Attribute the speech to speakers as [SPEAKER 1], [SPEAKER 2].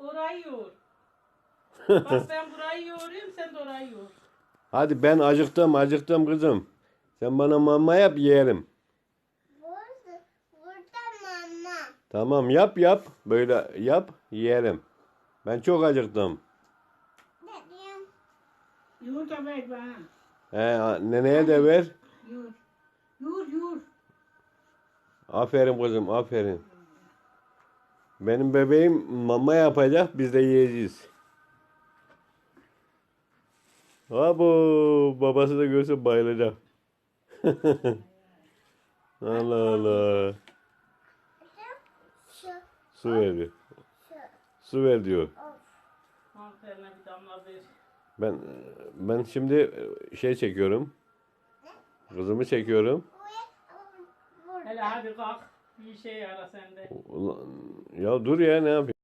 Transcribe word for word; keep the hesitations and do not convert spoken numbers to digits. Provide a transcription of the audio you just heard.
[SPEAKER 1] Orayı yoğur. Bak ben burayı yoğurayım, sen de orayı yoğur.
[SPEAKER 2] Hadi ben acıktım acıktım kızım. Sen bana mama yap yerim.
[SPEAKER 3] Burada, burada mama.
[SPEAKER 2] Tamam yap yap. Böyle yap yerim. Ben çok acıktım.
[SPEAKER 3] Dedim.
[SPEAKER 1] Yoğur ver bana.
[SPEAKER 2] He, neneye de ver.
[SPEAKER 1] Yoğur. Yoğur yoğur.
[SPEAKER 2] Aferin kızım aferin. Benim bebeğim mama yapacak biz de yiyeceğiz. Abo babası da görse bayılacak. Allah Allah.
[SPEAKER 3] Şu,
[SPEAKER 2] Su ver diyor.
[SPEAKER 3] şu.
[SPEAKER 2] Su ver diyor.
[SPEAKER 1] Aferin bir damla ver.
[SPEAKER 2] Ben ben şimdi şey çekiyorum. Kızımı çekiyorum.
[SPEAKER 3] Buraya, burada.
[SPEAKER 1] Hele hadi kalk. Bir şey ara sende.
[SPEAKER 2] Ulan, ya dur ya ne yapayım?